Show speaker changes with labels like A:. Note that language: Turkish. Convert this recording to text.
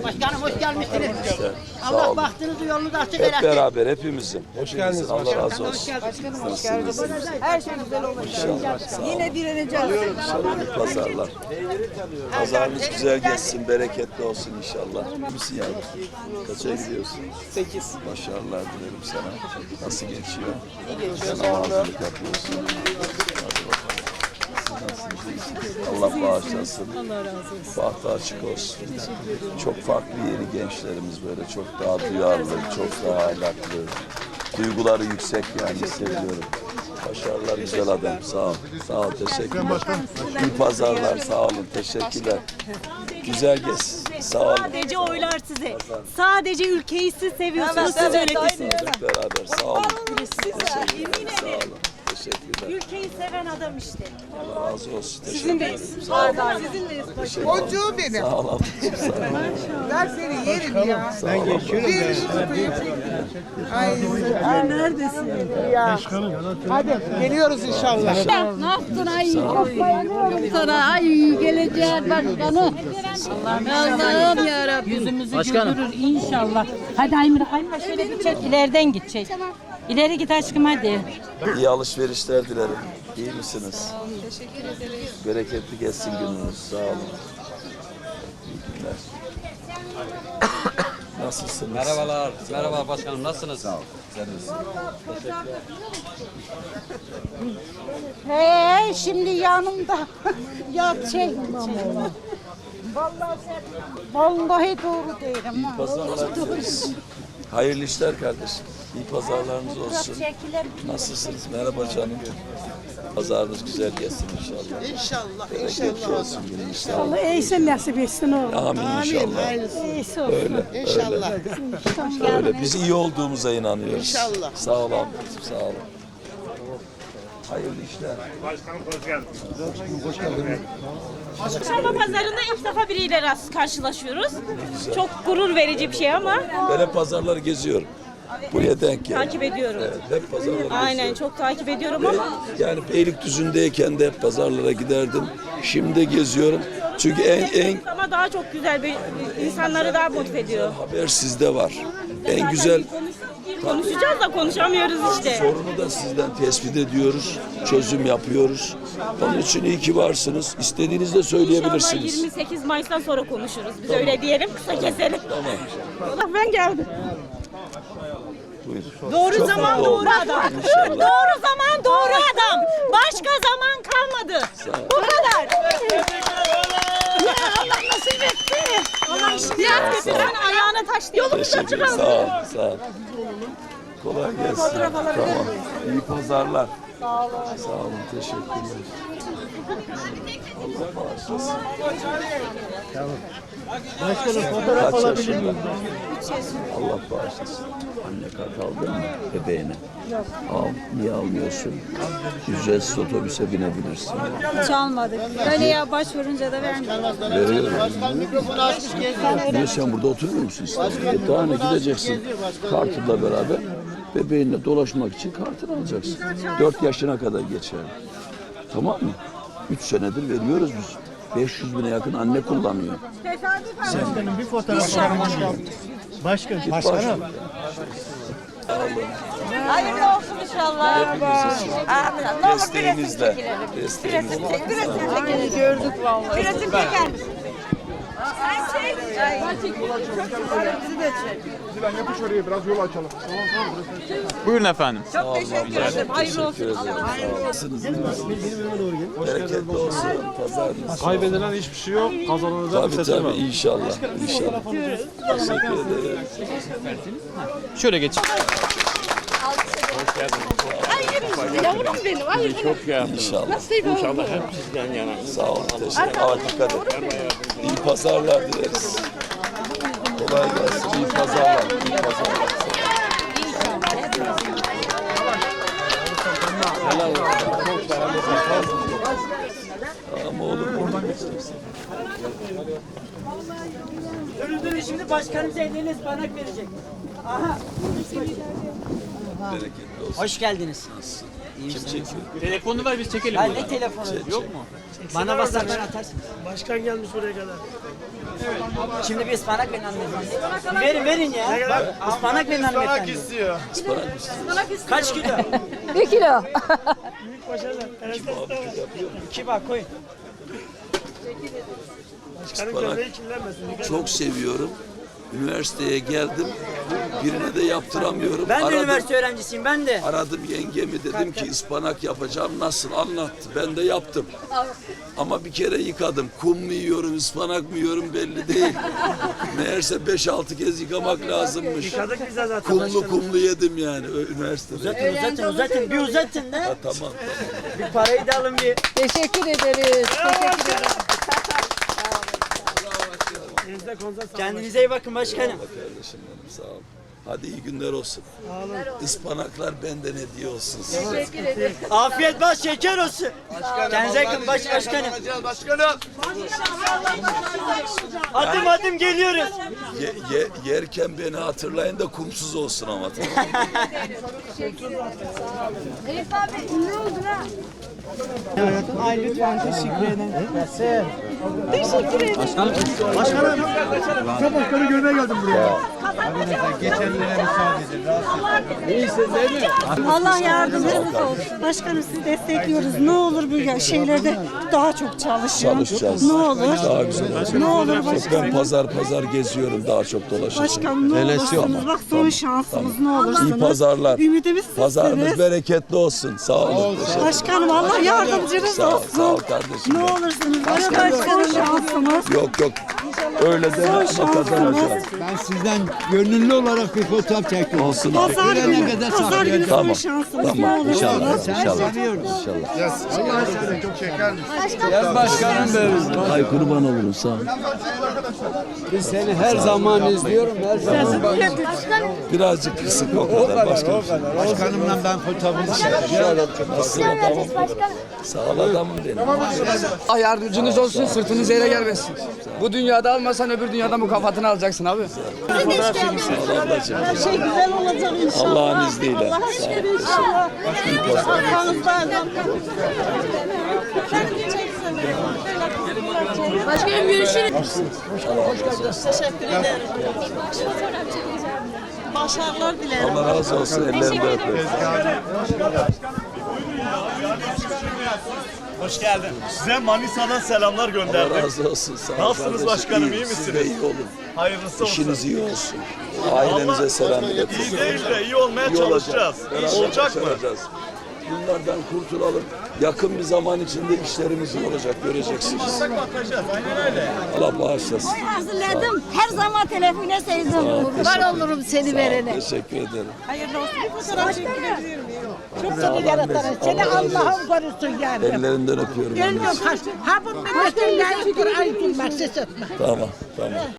A: Başkanım hoş gelmişsiniz.
B: İşte, sağ
A: Allah
B: olun.
A: bahtınızı yolunuzu açık
B: Hep
A: eylesin.
B: beraber hepimizin.
C: Hoş geldiniz
B: Allah
C: başkanım.
B: razı olsun.
A: Başkanım
B: hoş geldiniz.
A: Her şey güzel olacak. Yine direneceğiz.
B: İnşallah pazarlar. Pazarınız güzel geçsin, bereketli olsun inşallah. Misin yani? Kaça gidiyorsun?
C: 8.
B: Başarılar dilerim sana. Nasıl geçiyor? İyi geçiyor. Sen hazırlık yapıyorsun. Hadi bakalım. Allah bağışlasın. Allah razı olsun. Bahtı açık olsun. Çok farklı yeni gençlerimiz böyle. Çok daha duyarlı, çok daha ahlaklı. Duyguları yüksek yani hissediyorum. Başarılar güzel adam. Sağ ol. Sağ ol. Teşekkürler. İyi pazarlar. Sağ olun. Teşekkürler. Güzel gez. Sağ olun.
D: Sadece oylar size. Sadece ülkeyi siz seviyorsunuz, siz yönetirsiniz.
B: Hep beraber. Sağ olun. Teşekkürler. Sağ olun. Teşekkürler.
D: Ülkeyi seven adam işte.
B: Allah razı olsun. Sizindeyiz.
E: Boncuğum benim.
B: Sağ olun. Sağ olun.
E: Ben seni yerim ya.
C: Ben geçiyorum.
E: Bir tutayım. Ay
D: Neredesin?
E: ya. Hadi geliyoruz inşallah.
F: Ne yaptın ay? Bayılıyorum sana. Ay geleceğin başkanı. Allah'ım yarabbim. Yüzümüzü güldürür inşallah. Hadi Aymira, Aymira şöyle bir çek. İleriden git çek. İleri git aşkım hadi.
B: İyi alışverişler dilerim. İyi misiniz? Teşekkür ederiz. Bereketli geçsin gününüz. Sağ olun. İyi günler. Nasılsınız?
G: Merhabalar. Merhaba başkanım. Nasılsınız?
B: Sağ olun. Güzeliz.
F: He şimdi yanımda. Ya şey. Vallahi doğru değilim.
B: İyi pazarlar dileriz. Hayırlı işler kardeşim. İyi pazarlarınız olsun. Nasılsınız? Merhaba canım. Pazarınız güzel geçsin inşallah.
E: İnşallah.
B: Bereketli olsun günün inşallah.
F: Allah iyisi nasip etsin oğlum.
B: Amin inşallah.
F: İyisi olsun.
B: Öyle.
E: İnşallah.
B: Öyle. Biz iyi olduğumuza inanıyoruz.
E: İnşallah.
B: Sağ ol ablacığım. Sağ olun. Hayırlı işler.
D: Çarşamba pazarında ilk defa biriyle karşılaşıyoruz. Çok gurur verici bir şey ama
B: Ben hep pazarları geziyorum. Buraya denk geldim.
D: takip ediyorum.
B: Evet, hep pazarları
D: Aynen
B: geziyorum.
D: çok takip ediyorum ama
B: Yani Beylikdüzü'ndeyken de hep pazarlara giderdim. Şimdi de geziyorum. Çünkü en
D: ama daha çok güzel bir insanları daha motive ediyor.
B: haber sizde var. En güzel
D: Konuşacağız da konuşamıyoruz işte.
B: sorunu da sizden tespit ediyoruz. Çözüm yapıyoruz. Onun için iyi ki varsınız. İstediğinizde
D: İnşallah
B: söyleyebilirsiniz.
D: 28 Mayıs'tan sonra konuşuruz. Biz öyle diyelim, kısa keselim.
B: Tamam.
D: Ben geldim.
B: Buyur.
D: Doğru
B: Çok
D: zaman
B: mutlu
D: doğru
B: oldum.
D: adam.
B: İnşallah.
D: Doğru zaman doğru adam. Başka zaman kalmadı. Bu kadar. Ya Allah nasip etti. Allah işini getiren ayağına taş diye. Yolumuz açık
B: Teşekkür ederim.
D: olsun.
B: Sağ ol. Sağ ol. Kolay gelsin. Tamam. İyi pazarlar. Sağ olun. Sağ olun. Teşekkürler. Allah bağışlasın.
C: Başkanım fotoğraf
B: Kaç
C: alabilir
B: yaşında?
C: miyim?
B: Allah bağışlasın. Anne kart aldın mı bebeğine? Yok. Al. Niye almıyorsun? Ücretsiz otobüse binebilirsin.
F: Çalmadık. Böyle ya başvurunca da vermiyor.
B: Veriyorum. Niye sen burada oturmuyor musun İstanbul'da? Daha ne gideceksin kartınla beraber bebeğinle dolaşmak için kartını alacaksın. 4 yaşına kadar geçer. Tamam mı? 3 senedir veriyoruz biz. 500 bine yakın anne kullanıyor.
C: Başkanım bir fotoğraf alabilir miyim? Başkanım.
D: Hayırlı olsun inşallah.
B: Desteğinizle. Desteğinizle.
D: Gördük vallahi. Resim çeker misin?
G: Buyurun efendim.
D: Çok teşekkür ederim. Hayırlı olsun.
B: Nasılsınız? Bereketli olsun. Pazarınız.
C: Kaybedilen hiçbir şey yok. Kazananı da
B: Tabii tabii inşallah. İnşallah. Teşekkür ederim.
G: Şöyle geçin.
F: Yavrum benim. Ay
B: İnşallah.
F: İnşallah
G: hep sizden yana.
B: Sağ olun. Teşekkür ederim. Dikkat edin. İyi pazarlar dileriz. Kolay gelsin. İyi pazarlar. İyi pazarlar. Ama olur mu?
A: Önündür şimdi başkanımız ellerine ıspanak verecek. Aha.
B: Bereketli olsun.
A: Hoş geldiniz.
B: Kim çekiyor?
G: Telefonu ver biz çekelim.
A: Ben ne telefonu?
G: Yok mu?
A: Bana basarsan atarsın.
C: Başkan gelmiş buraya kadar.
A: Şimdi bir ıspanak verin hanımefendi. Verin ya. Ispanak verin hanımefendi.
C: istiyor.
A: Kaç kilo?
F: 1 kilo.
A: İki bak koyun.
B: Ispanak çok seviyorum. Üniversiteye geldim. Birine de yaptıramıyorum.
A: Ben de üniversite öğrencisiyim ben de.
B: Aradım yengemi, dedim ki ıspanak yapacağım, nasıl, anlattı. Ben de yaptım. Ama bir kere yıkadım. Kum mu yiyorum, ıspanak mı yiyorum belli değil. Meğerse 5-6 kez yıkamak lazımmış.
A: Yıkadık biz de zaten.
B: Kumlu yedim yani üniversitede.
A: Uzatın. Bir uzatın da.
B: Ha, tamam.
A: Bir parayı da alın bir.
F: Teşekkür ederiz. Teşekkür ederiz.
A: Kendinize iyi bakın başkanım.
B: Kardeşim benim, sağ ol. Hadi iyi günler olsun. Ispanaklar benden hediye olsun size.
F: Teşekkür ederiz.
A: Afiyet bal şeker olsun. Kendinize yakın başkanım.
C: Başkanım.
A: Adım geliyoruz.
B: Yerken beni hatırlayın da kumsuz olsun ama. Tamam.
A: Ay lütfen teşekkür ederim.
C: Başkanı görmeye geldim buraya.
H: Allah yardımcınız olsun. Başkanım sizi destekliyoruz. Ne olur bu şeylerde daha çok çalışın.
B: Çalışacağız.
H: Ne olur.
B: Daha güzel olacak.
H: Ne olur
B: Ben
H: başkanım.
B: pazar geziyorum, daha çok dolaşacağım.
H: Başkanım ne olursunuz. Bak son şansımız ne olursunuz.
B: İyi pazarlar.
H: Ümidimiz
B: Pazarınız
H: sizsiniz.
B: bereketli olsun. Sağ olun. Teşekkür
H: Başkanım Allah yardımcınız
B: Sağ ol,
H: olsun.
B: sağ ol kardeşim.
H: Ne olursunuz. Başkanım son şansımız.
B: Yok. Öyle deme ama kazanacağız.
I: Ben sizden gönüllü olarak bir fotoğraf çektim.
B: Olsun.
H: Pazar günü,
I: kadar
H: pazar günü son
B: Tamam.
H: şansımız. Ne
B: Tamam.
H: olursunuz.
B: İnşallah.
C: Çok şekermiş.
B: Ay kurban olurum, sağ ol.
I: Biz seni her zaman izliyorum. Her zaman
B: Birazcık kısık o kadar. Başka bir şey.
I: başkanımla ben fotoğrafını çekeceğim.
B: Nasıl adamım? Sağ ol adamım benim.
J: Allah yardımcınız olsun, sırtınız yere gelmesin. Bu dünyada almasan öbür dünyada mükafatını alacaksın abi.
B: Sağ ol ablacığım.
H: Her şey güzel olacak inşallah.
B: Allah'ın izniyle.
H: Allah aşkına inşallah. Arkanızdan.
F: Başkanım görüşürüz.
H: Teşekkür ederim. Başarılar dilerim.
B: Allah razı olsun. Ellerinde öpüyorum.
C: Hoş geldin. Size Manisa'dan selamlar
B: Allah
C: gönderdim.
B: razı olsun. Sağ ol
C: Nasılsınız
B: kardeşim.
C: başkanım, iyi
B: İyiyim. Siz de
C: misiniz?
B: iyi olun.
C: Hayırlısı olsun.
B: İşiniz iyi olsun. Ailenize selam iletin.
C: İyi değil de iyi olmaya
B: İyi olacak.
C: çalışacağız.
B: Beraber
C: Olacak mı?
B: başaracağız. Bunlardan kurtulalım. Yakın bir zaman içinde işlerimiz iyi olacak. Göreceksiniz.
C: Bakacağız. Aynen öyle.
B: Allah bağışlasın.
H: Hazırladım. Her zaman telefona sevdim.
F: Kurban olurum seni verene.
B: Teşekkür ederim.
H: Hayırlı olsun. Bir fotoğraf çekilebilir miyim? Çok seni yaratarız. Seni Allah'ım korusun yani.
B: Ellerinden öpüyorum.
H: Gönlüm kaç. Ha bu milletin layıktır. Ay gülmek ses etme.
B: Tamam.